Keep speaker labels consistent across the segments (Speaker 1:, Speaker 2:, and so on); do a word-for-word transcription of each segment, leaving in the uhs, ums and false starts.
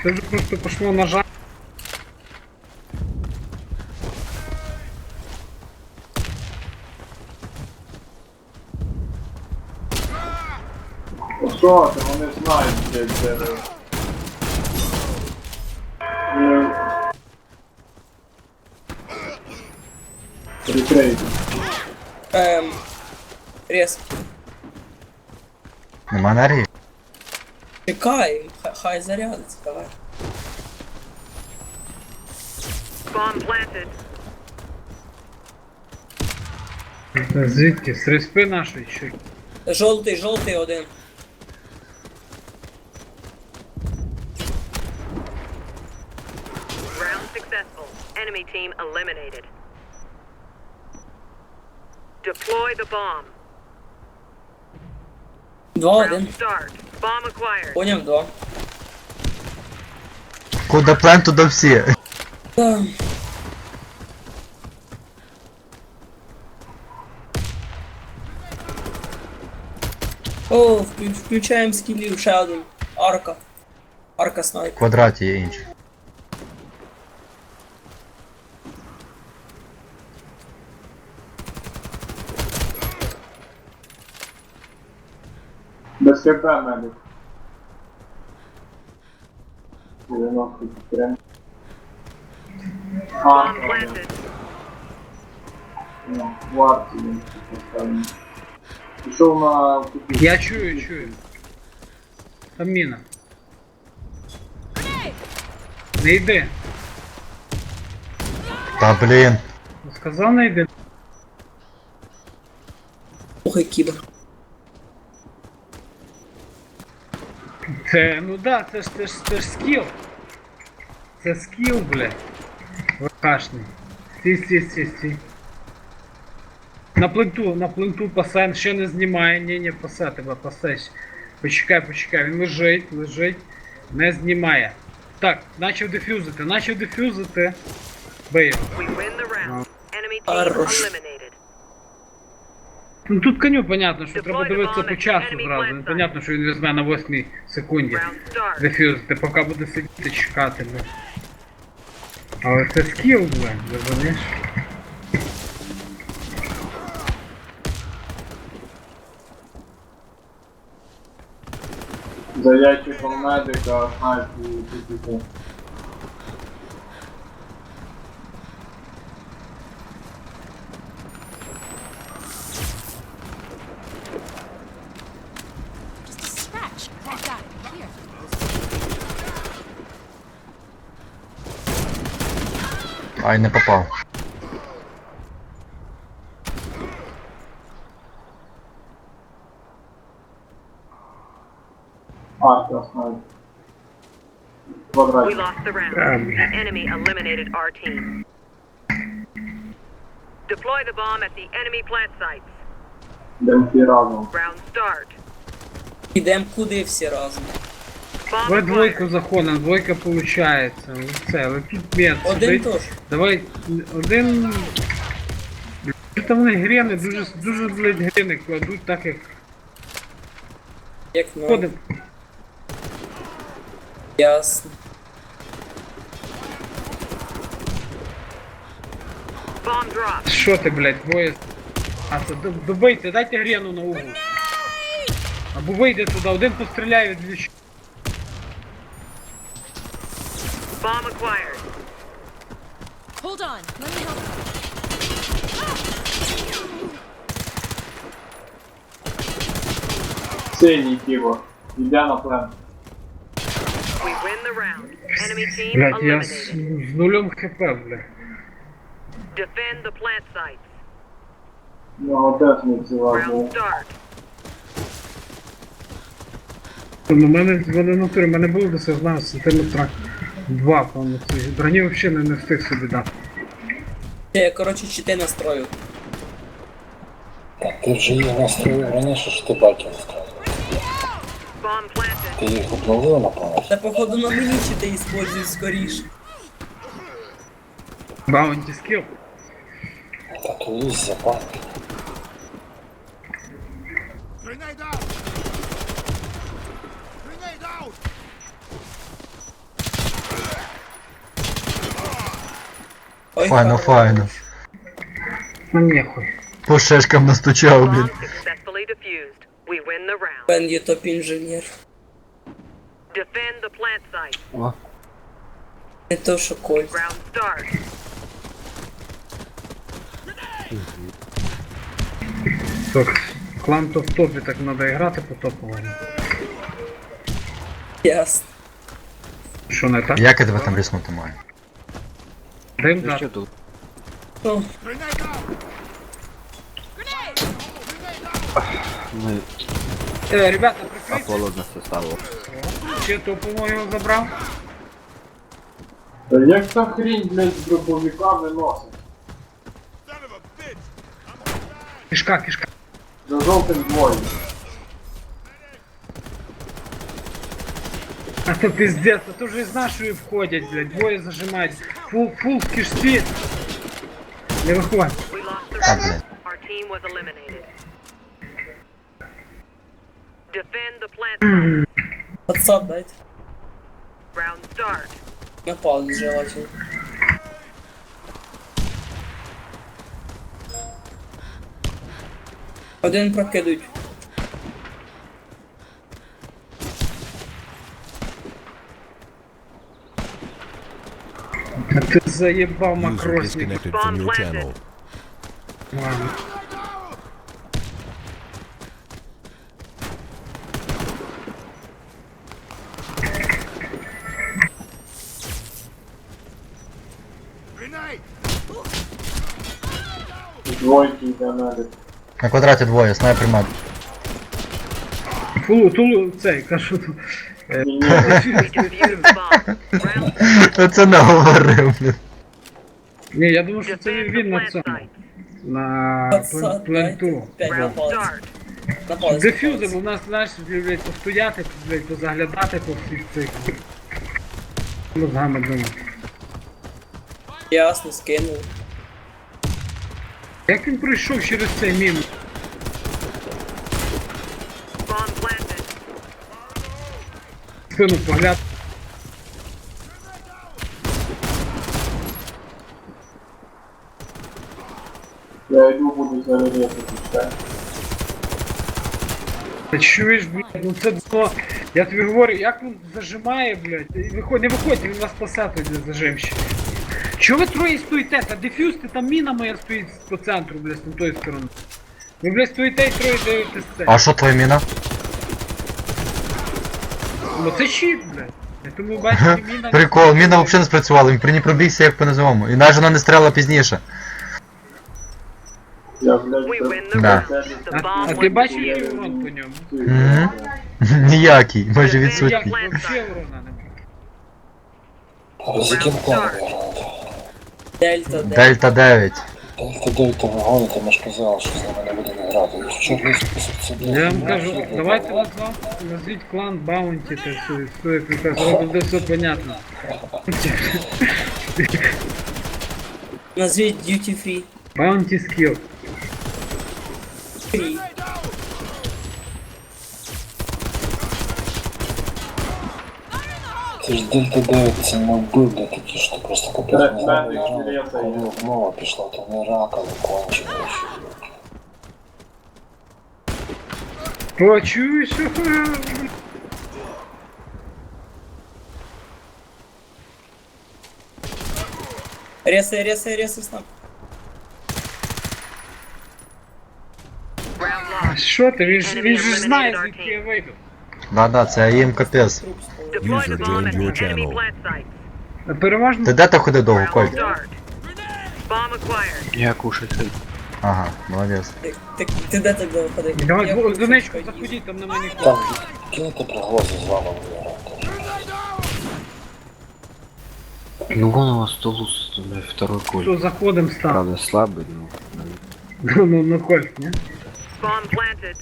Speaker 1: Це вже просто пошло на жаль.
Speaker 2: Що ти, вони знають, де це. Прикрейте.
Speaker 3: Ем... Рез.
Speaker 4: Нема енергії?
Speaker 3: Чекай, хай, хай зарядиться, давай.
Speaker 5: Bomb planted.
Speaker 1: Це звідки? З респи нашої чи?
Speaker 3: Жовтий, жовтий один.
Speaker 5: Round successful. Enemy team eliminated. Deploy the bomb.
Speaker 3: Два,
Speaker 5: Round
Speaker 3: один.
Speaker 5: start. Bomb acquired.
Speaker 3: Поняв, два.
Speaker 4: Куда плен, туда всі.
Speaker 3: Ем. О, вклю- включаємо скілів, ще один. Арка. Арка
Speaker 4: В
Speaker 3: снайпер.
Speaker 4: квадраті є інші.
Speaker 2: Без КП медик. дев'яносто три. А,
Speaker 5: Bomb planted.
Speaker 2: ну, в арці він поставлений. Пішов на купі.
Speaker 1: Я чую, чую. Там міна. Не йди.
Speaker 4: Та блін.
Speaker 1: Сказав не йди.
Speaker 3: Охай кібер.
Speaker 1: Це, ну да, це ж, це ж, це ж скіл. Це скіл, блядь. ВКшний. Стій, стій, стій, стій. На пленту, на пленту пасе, ще не знімає, ні, ні, пасе тебе, пасе. Почекай, почекай, він лежить, лежить, не знімає. Так, начав дефюзити, начав дефюзити. Бий його.
Speaker 5: We win the round. Enemy team
Speaker 3: Хорош.
Speaker 5: eliminated.
Speaker 1: Ну тут коню понятно, що
Speaker 5: Deploy
Speaker 1: треба
Speaker 5: the
Speaker 1: дивитися
Speaker 5: bomb
Speaker 1: по
Speaker 5: at
Speaker 1: часу
Speaker 5: enemy
Speaker 1: зразу.
Speaker 5: plant
Speaker 1: Ну,
Speaker 5: site.
Speaker 1: понятно, що він візьме на восьмій секунді.
Speaker 5: Round start.
Speaker 1: Дефюзити, поки буде сидіти чекати, бля. Але це скіл, бля, розумієш?
Speaker 2: За ящиком медика, снайпу і тільки.
Speaker 6: Just a scratch. Like that. Here.
Speaker 4: Ай, не попав.
Speaker 2: А, це снайп.
Speaker 5: We
Speaker 2: Квадратик.
Speaker 5: lost the round.
Speaker 1: Um.
Speaker 5: The enemy eliminated our team. Deploy the bomb at the enemy plant sites.
Speaker 2: Йдемо всі разом.
Speaker 5: Round start.
Speaker 3: Ідем куди всі разом.
Speaker 5: Bomb
Speaker 1: Давай двойку
Speaker 5: acquired.
Speaker 1: заходимо, двойка получається. Це, але тут мед
Speaker 3: Один
Speaker 1: сидить.
Speaker 3: теж.
Speaker 1: Давай, один... Що там вони грени, дуже, дуже, блядь, грени кладуть так, як
Speaker 3: Як ну.
Speaker 1: ходимо.
Speaker 3: Ясно.
Speaker 5: Bomb dropped.
Speaker 1: Що ти, блядь, двоє... А, це доб- добийте, дайте грену на угол. Або вийде туди, один постріляє від двічі.
Speaker 5: Bomb acquired.
Speaker 6: Hold on. Let me help.
Speaker 2: Синій кібор. Йде на плен.
Speaker 5: We win the round. Enemy team
Speaker 1: Блядь, я з,
Speaker 5: eliminated.
Speaker 1: з нулем хп, блядь.
Speaker 5: Defend the plant sites.
Speaker 2: Ну, теж не ціла
Speaker 5: Round
Speaker 2: була.
Speaker 5: start.
Speaker 1: Ну, у мене в натурі, в мене було досягнено сантиметра два, повністю. Броні взагалі не, не встиг собі дати.
Speaker 3: Я, коротше, чити настрою.
Speaker 7: Так, ти вже їх настроїв раніше, що ти баки настроїв.
Speaker 5: Bomb planted.
Speaker 7: Ти їх обновив, напевно?
Speaker 3: Та походу на мені чити іспользуй скоріше.
Speaker 1: Баунті скіл.
Speaker 7: Та то є запанки.
Speaker 8: Grenade out! Grenade out!
Speaker 3: Ой,
Speaker 4: Файно,
Speaker 3: хорош.
Speaker 4: файно.
Speaker 1: Ну нехуй.
Speaker 4: По шишкам настучав, блін.
Speaker 5: Bomb successfully defused. We win the round.
Speaker 3: Бен є топ-інженер.
Speaker 5: Defend the plant site.
Speaker 3: Не то, що Кольт.
Speaker 5: Round start.
Speaker 1: Так, клан то в топі, так треба грати по топовому.
Speaker 3: Ясно.
Speaker 1: Що не так?
Speaker 4: Як я тебе там ріснути маю?
Speaker 1: Дим дати.
Speaker 3: Ну,
Speaker 8: Ми
Speaker 1: Е, ребята, прикрийте.
Speaker 8: холодно составу.
Speaker 1: Ще топового його забрав.
Speaker 2: Та як та хрінь, блядь, з дробовиками носить?
Speaker 1: Кишка, кишка.
Speaker 2: За жовтим двоє.
Speaker 1: А то пиздец, а то вже з нашої входять, блядь, двоє зажимають. Фул, фул в кишці. Не виходь.
Speaker 5: We lost the
Speaker 4: А,
Speaker 5: round.
Speaker 4: блін.
Speaker 5: Our team was eliminated. Defend the plant site.
Speaker 3: WhatsApp дайте.
Speaker 5: Round start.
Speaker 3: На паузу желательно. Один прокидують.
Speaker 1: А ти заєбав
Speaker 9: User
Speaker 1: макросник.
Speaker 9: disconnected from your channel.
Speaker 1: Ладно.
Speaker 2: Двойки йде навіть.
Speaker 4: На квадраті двоє, снайпер мед.
Speaker 1: Фулу, тулу, цей, кажу тут.
Speaker 2: Ні, ні,
Speaker 5: We defused bomb. Round start.
Speaker 4: Оце не говорив, блін.
Speaker 1: Ні, я думаю, що це
Speaker 5: Defend the
Speaker 1: він на
Speaker 5: plant
Speaker 1: цьому.
Speaker 5: site.
Speaker 1: На
Speaker 3: WhatsApp
Speaker 1: плен- пленту.
Speaker 3: дайте. П'ять на
Speaker 5: Round
Speaker 3: паузу.
Speaker 5: start.
Speaker 3: На паузу.
Speaker 1: Дефюзи, бо в нас, знаєш, блядь, постояти, блядь, позаглядати по всіх цих. Мозгами думаю.
Speaker 3: Ясно, скинув.
Speaker 1: Як він пройшов через цей мінус?
Speaker 5: Bomb planted.
Speaker 1: Спину погляд.
Speaker 2: я йду буду зарядити. все.
Speaker 1: Та чуєш, блядь, ну це було. Я тобі говорю, як він зажимає, блядь, і виходь, не виходьте, він вас спасе тоді зажимщик. Чого ви троє стоїте? Та дефюзти, там міна моя стоїть по центру, блядь, з тої сторони. Ви, блядь, стоїте і троє дивитесь це.
Speaker 4: А що твоя міна?
Speaker 1: Ну це щит, блядь. Я тому бачите, міна...
Speaker 4: Прикол, міна взагалі не спрацювала, він при ній пробігся як по низовому. І навіть вона не стріляла пізніше.
Speaker 2: Я, блядь,
Speaker 5: We win the
Speaker 4: Да.
Speaker 5: round. The
Speaker 1: А, а
Speaker 5: bomb
Speaker 1: ти
Speaker 5: was
Speaker 1: бачиш,
Speaker 5: defused.
Speaker 1: який урон по ньому?
Speaker 4: Мгм. Ніякий, майже
Speaker 1: Як
Speaker 4: відсутній.
Speaker 1: вообще урона не було.
Speaker 7: З яким кланом ви граєте?
Speaker 3: Дельта, дельта.
Speaker 4: Дельта дев'ять.
Speaker 7: Дельта дев'ять ви гоните, ми ж казали, що з ними не будемо грати. І в чорний список це блядь,
Speaker 1: Я вам
Speaker 7: не
Speaker 1: кажу,
Speaker 7: можливо.
Speaker 1: давайте назвав, назвіть клан Баунті, та все, все, якраз зразу буде все понятно.
Speaker 3: Назвіть Duty Free.
Speaker 1: Баунті скіл.
Speaker 3: Free.
Speaker 7: Це ж Дельта дев'ять, це не вбивля такі, що ти просто капець
Speaker 2: Ре-
Speaker 7: не знаю,
Speaker 2: медик
Speaker 7: грали.
Speaker 2: Дельта
Speaker 7: Коли
Speaker 2: є.
Speaker 7: мова пішла, то не ракали кончено.
Speaker 1: Почуєш?
Speaker 3: Ресай, ресай, ресай снап.
Speaker 5: Round
Speaker 1: А
Speaker 5: lost.
Speaker 1: що ти? Він ж, він ж
Speaker 5: Enemy
Speaker 1: знає,
Speaker 5: eliminated our
Speaker 1: звідки я
Speaker 5: team.
Speaker 1: вийду.
Speaker 4: Да-да, це їм капець.
Speaker 3: Труп спалив.
Speaker 5: Deploy
Speaker 9: User
Speaker 5: the bomb at
Speaker 9: joined your
Speaker 5: the enemy
Speaker 9: channel.
Speaker 5: plant site.
Speaker 1: А переважно...
Speaker 4: Ти де ти ходив довго,
Speaker 5: Round
Speaker 4: Коль?
Speaker 5: start. Bomb acquired.
Speaker 8: Я кушать хочу.
Speaker 4: Ага, молодець.
Speaker 3: Ти, ти, ти де так довго ходив?
Speaker 1: Давай,
Speaker 3: Я
Speaker 1: в
Speaker 3: хочу
Speaker 1: донечку
Speaker 3: поїсти.
Speaker 1: заходіть, там нема нікого.
Speaker 7: Там кинути приглази з вами грати.
Speaker 8: Ну вон у вас Тулус, блядь, второй коль.
Speaker 1: Що заходим став?
Speaker 8: Правда слабый, но...
Speaker 1: Ну, ну, ну, Кольт, не?
Speaker 5: Bomb planted.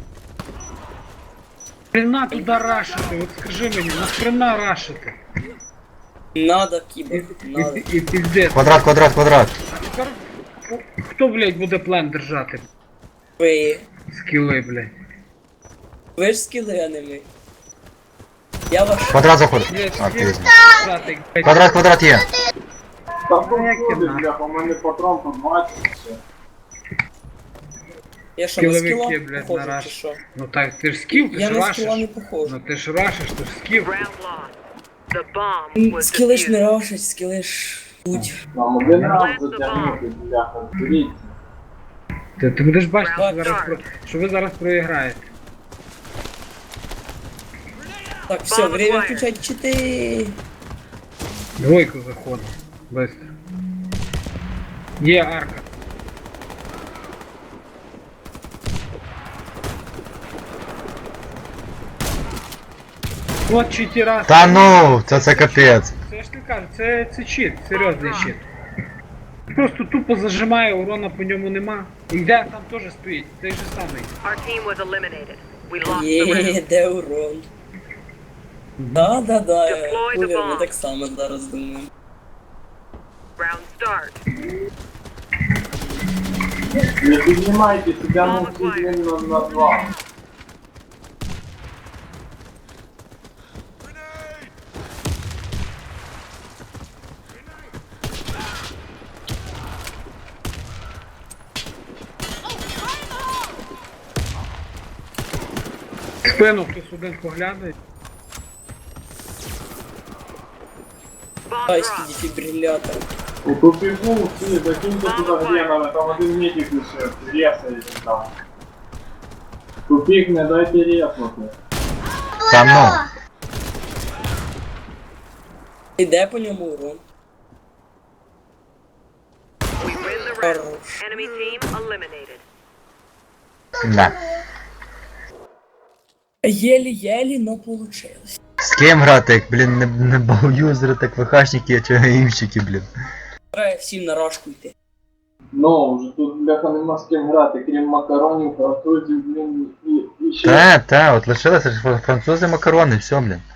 Speaker 1: Хрена туди рашити, от скажи мені, нахрена рашити?
Speaker 3: Надо,
Speaker 1: І,
Speaker 3: кібер, надо.
Speaker 1: і, і піздець.
Speaker 4: Квадрат, квадрат, квадрат.
Speaker 1: А тепер о, хто, блядь, буде план держати?
Speaker 3: Ви.
Speaker 1: Скіли, блядь.
Speaker 3: Ви ж скіли, а не ми. Я ваш.
Speaker 4: Квадрат заходить.
Speaker 1: Блядь,
Speaker 4: А,
Speaker 1: скіли
Speaker 4: пізно.
Speaker 1: держати, блядь.
Speaker 4: Квадрат, квадрат є.
Speaker 2: Та
Speaker 1: Ну, як
Speaker 2: походи,
Speaker 1: кімна.
Speaker 2: бляха, у мене патрон по двадцять. ще.
Speaker 3: Я що, на
Speaker 1: Скіловики,
Speaker 3: скіла
Speaker 1: блядь,
Speaker 3: похожу,
Speaker 1: на
Speaker 3: чи
Speaker 1: раш.
Speaker 3: що?
Speaker 1: Ну так, ти ж скіл, ти
Speaker 3: Я
Speaker 1: ж
Speaker 3: на скіла не
Speaker 1: рашиш.
Speaker 3: похожу.
Speaker 1: Ну ти ж рашиш, ти ж скіл.
Speaker 5: Round lost. The bomb was
Speaker 3: Скіли ж не
Speaker 5: defused.
Speaker 3: рашать, скіли ж будь.
Speaker 2: Нам один раз затягнути, бляха, беріть.
Speaker 1: Ти, ти будеш бачити, що,
Speaker 5: Round
Speaker 1: зараз про... що ви зараз проіграєте.
Speaker 3: Так, все, время включать чити.
Speaker 1: Двойку заходить. Быстро. Є арка. От читера.
Speaker 4: Та ну, це це капець.
Speaker 1: Це ж ти кажу, це, це чит, серйозний чит. Просто тупо зажимає, урона по ньому нема. І де там теж стоїть, той же самий.
Speaker 5: Our team was eliminated. We lost the round.
Speaker 3: Є, де урон. Да, да, да,
Speaker 5: Deploy the
Speaker 3: кулер, ми
Speaker 5: bomb.
Speaker 3: так само зараз думаємо.
Speaker 5: Round start.
Speaker 2: Не піднімайте себе на один на, на два.
Speaker 1: В спину хтось один поглядає.
Speaker 5: Bomb
Speaker 3: Тайський
Speaker 5: dropped.
Speaker 3: дефібрилятор.
Speaker 2: У тупику всі, закиньте туди гренами, там один медик лише, ресається там. Тупик, не дайте резнути.
Speaker 4: Та ну.
Speaker 3: Іде по ньому урон.
Speaker 5: We win the round.
Speaker 3: Хорош.
Speaker 5: Enemy team eliminated.
Speaker 4: Да.
Speaker 3: Єлі-єлі, но получилось.
Speaker 4: З ким грати, як, блін, не, не бауюзери, так ВХшники, а чи гаїмщики, блін.
Speaker 3: Треба всім на рашку йти.
Speaker 2: Ну, вже тут, бляха, нема з ким грати, крім макаронів, французів, блін, і, і ще...
Speaker 4: Та, та, от лишилися ж французи макарони, все, блін.